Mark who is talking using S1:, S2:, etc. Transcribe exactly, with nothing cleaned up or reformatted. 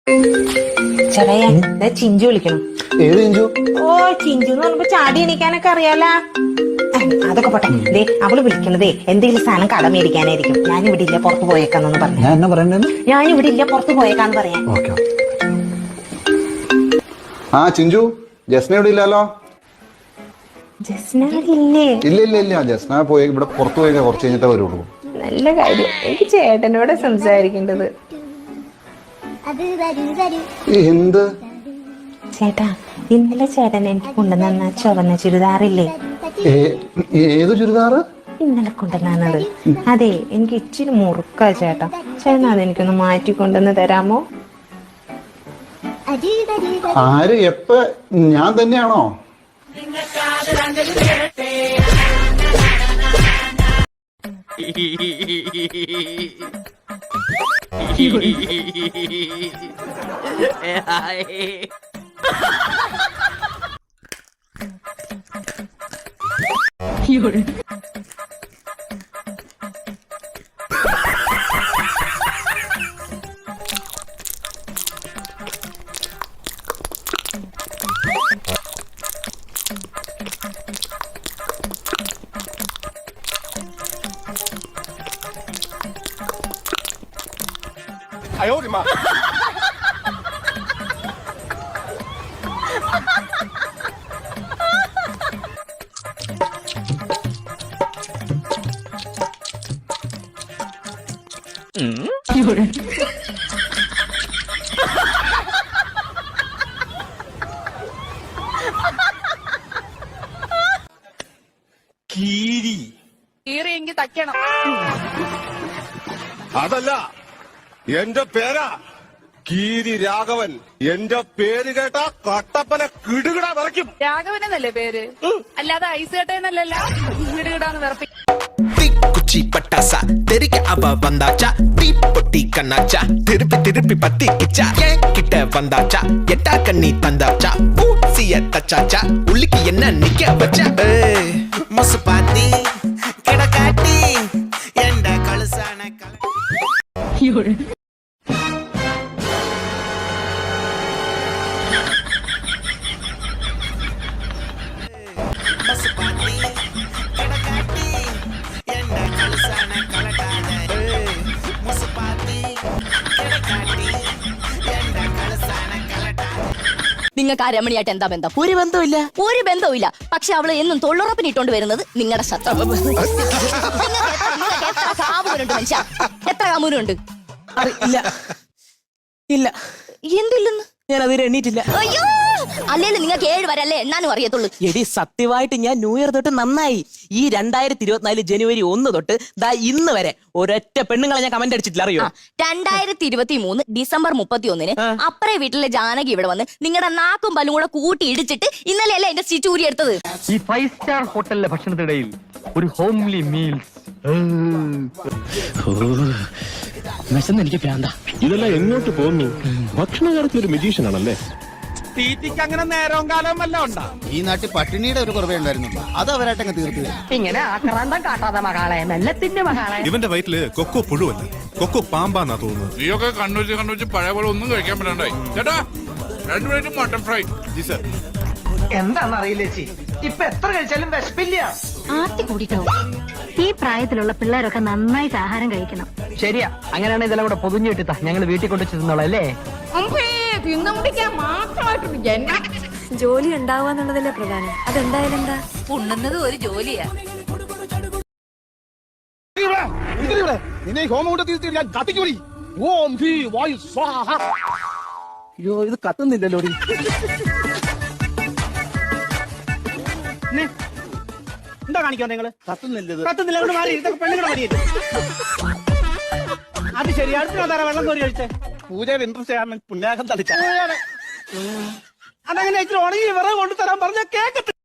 S1: ചെറിയ ചിഞ്ചു വിളിക്കണം.
S2: ഏത് ചിഞ്ചു?
S1: ഓ ചിഞ്ചു എന്ന് പറഞ്ഞപ്പോ ചാടി എണീക്കാനൊക്കെ അറിയാല. അതൊക്കെ പോട്ടെ. ദേ അവള് വിളിക്കണതേ എന്തെങ്കിലും സാധനം കട മേടിക്കാനായിരിക്കും. ഞാനിവിടെ ഇല്ല, പുറത്ത് പോയേക്കാന്നു പറഞ്ഞു.
S2: ഞാൻ എന്നാ പറയണ്ടേന്ന്?
S1: ഞാനിവിടെ ഇല്ല, പുറത്ത് പോയേക്കാന്ന് പറയാം.
S2: ഓക്കെ. ആ ചിഞ്ചു, ജസ്ന ഇവിടെ ഇല്ലല്ലോ.
S1: ജസ്ന ഇല്ലേ?
S2: ഇല്ല ഇല്ല ഇല്ല, ജസ്ന പോയി ഇവിടെ പുറത്ത് പോയേക്കാ, കുറച്ച് കഴിഞ്ഞിട്ടേ വരുള്ളൂ.
S1: നല്ല കാര്യം. എനിക്ക് ചേട്ടനോട് സംസാരിക്കേണ്ടത്.
S2: എന്ത്
S1: ചേട്ടാ, ഇന്നലെ ചേട്ടൻ എനിക്ക് കൊണ്ടുവന്ന ചുവന്ന ചുരിദാറില്ലേ?
S2: ഏത് ചുരിദാറ്?
S1: ഇന്നലെ കൊണ്ടുവന്നത്. അതെ, എനിക്ക് ഇച്ചിരി മുറുക്കാ ചേട്ടാ. ചേട്ടൻ അതെനിക്കൊന്ന് മാറ്റിക്കൊണ്ടുവന്ന് തരാമോ?
S2: ആര് എപ്പ? ഞാൻ തന്നെയാണോ?
S3: 哎呦我的妈！嗯，有人。കീരി
S4: കീറിയെങ്കിൽ തയ്ക്കണം.
S3: അതല്ല, എന്റെ പേരാ കീരി രാഘവൻ. എന്റെ പേര് കേട്ട കട്ടപ്പന കിടുകിട വിറയ്ക്കും.
S4: രാഘവനെന്നല്ലേ പേര്? അല്ലാതെ ഐസ് കേട്ടേന്നല്ലല്ലോ കിടുകിടാന്ന് വിറപ്പിക്കും.
S5: குச்சி பட்டாசா தெரிக்க அவ வந்தாச்சா தீ பொட்டி கண்ணாச்சா திருப்பி திருப்பி பத்தி கிச்சா ஏன் கிட்ட வந்தாச்சா எட்டா கண்ணி தந்தாச்சா பூசிய தச்சாச்சா உள்ளுக்கு என்ன நிக்க வச்சா மொசு பாத்தி கிடக்காட்டி எந்த கழுசான கல
S6: നിങ്ങൾക്ക് ആ രമണിയായിട്ട് എന്താ ബന്ധം?
S5: ഒരു ബന്ധമില്ല,
S6: ഒരു ബന്ധവുമില്ല. പക്ഷെ അവള് എന്നും തൊള്ളുറപ്പിന് ഇട്ടോണ്ട് വരുന്നത് നിങ്ങളുടെ ശത്രു. എത്ര കാമുകനുണ്ട് മനുഷ്യ? എത്ര കാമുകനുണ്ട്?
S5: ഇല്ല ഇല്ല.
S6: എന്തില്ലെന്ന്?
S5: ഞാൻ അതിന് എണ്ണീറ്റില്ല.
S6: അയ്യോ, അല്ലേലും നിങ്ങൾക്ക് ഏഴ് വരെ അല്ലേ എണ്ണാനും അറിയത്തുള്ളൂ.
S5: എടി സത്യമായിട്ട് ഞാൻ ന്യൂ ഇയർ തൊട്ട് നന്നായി. ഈ രണ്ടായിരത്തി ഇരുപത്തിനാല് ജനുവരി ഒന്ന് തൊട്ട് ദാ ഇന്ന് വരെ ഒരൊറ്റ പെണ്ണുങ്ങളെ ഞാൻ കമന്റ് അടിച്ചിട്ടില്ല, അറിയോ?
S6: രണ്ടായിരത്തി ഇരുപത്തി മൂന്ന് ഡിസംബർ മുപ്പത്തി ഒന്നിന് അപ്പറേ വീട്ടിലെ ജാനകി ഇവിടെ വന്ന് നിങ്ങളുടെ നാക്കും പല്ലും കൂടെ കൂട്ടി ഇടിച്ചിട്ട് ഇന്നലെ അല്ലേ എന്റെ സ്റ്റിച്ച് ഊരി എടുത്തത്.
S7: ഈ ഫൈവ് സ്റ്റാർ ഹോട്ടലിലെ ഭക്ഷണത്തിനിടയിൽ ഒരു ഹോംലി മീൽസ്. എനിക്ക് പ്രാന്ത.
S8: ഇതെല്ലാം എങ്ങോട്ട് പോകുന്നു? ഭക്ഷണ കാര്യത്തിൽ ഒരു മെജീഷ്യൻ ആണല്ലേ?
S7: തീറ്റിക്ക് അങ്ങനെ നേരവും കാലവും വല്ല ഉണ്ടാ?
S9: ഈ നാട്ടിൽ പട്ടിണിയുടെ ഒരു കുറവേ ഉണ്ടായിരുന്നുള്ളൂ, അത് അവരായിട്ടങ്ങ് തീർത്തു.
S4: ഇങ്ങനെ ആക്രാന്തം കാട്ടാതെ മകളെ, മെല്ലത്തിന്റെ മകളെ.
S8: ഇവന്റെ വയറ്റില് കൊക്കോ പുഴുവല്ല, കൊക്കോ പാമ്പാന്നാ തോന്നുന്നത്.
S10: നീയൊക്കെ കണ്ണൂച്ച് കണ്ണൂച്ച് പഴയ പോലെ ഒന്നും കഴിക്കാൻ പറ്റണ്ടായി. ചേട്ടാ, രണ്ടു പ്ലേറ്റ് മട്ടൺ ഫ്രൈ.
S8: ജി സർ.
S7: എന്താണെന്നറിയില്ല ചേച്ചി, ഇപ്പൊ എത്ര കഴിച്ചാലും വിശപ്പില്ല.
S4: ആർത്തി കൂടിട്ടോ. ഈ പ്രായത്തിലുള്ള പിള്ളേരൊക്കെ നന്നായിട്ട് ആഹാരം കഴിക്കണം.
S7: ശരിയാ, അങ്ങനെയാണ് ഇതെല്ലാം കൂടെ പൊതിഞ്ഞിട്ടാ ഞങ്ങൾ വീട്ടിൽ കൊണ്ടു ചെന്നോളാം അല്ലേ?
S4: തിന്നു മുടിക്കാൻ മാത്രമായിട്ടുണ്ട് ജന്മം.
S11: ജോലി ഉണ്ടാവുക എന്നുള്ളതല്ലേ പ്രധാനം. അതെന്തായാലും എന്താ
S6: ഉണ്ണുന്നത് ഒരു ജോലിയാ.
S3: നിന്നെ ഹോമം കൊണ്ട് തീർത്തി ഞാൻ കത്തിക്കൂടി. ഓം ഭീ വായു സ്വാഹ.
S2: അയ്യോ, ഇത് കത്തുന്നില്ലല്ലോ.
S7: എന്താ കാണിക്കാൻ നിങ്ങള്?
S2: കത്തുന്നില്ല.
S7: കത്തുന്നില്ല, മാറി. ഇതൊക്കെ പെണ്ണുങ്ങളുടെ മടിയല്ലേ? അത് ശരി. അടുത്ത വെള്ളം കോരി കഴിച്ചേ.
S3: പൂജയുടെ ഇൻട്രസ്റ്റ് കാരണം പുണ്യാകം തളിച്ച
S7: അതങ്ങനെ ഉണങ്ങി വിറവ് കൊണ്ടുതരാൻ പറഞ്ഞ കേക്കട്ടെ.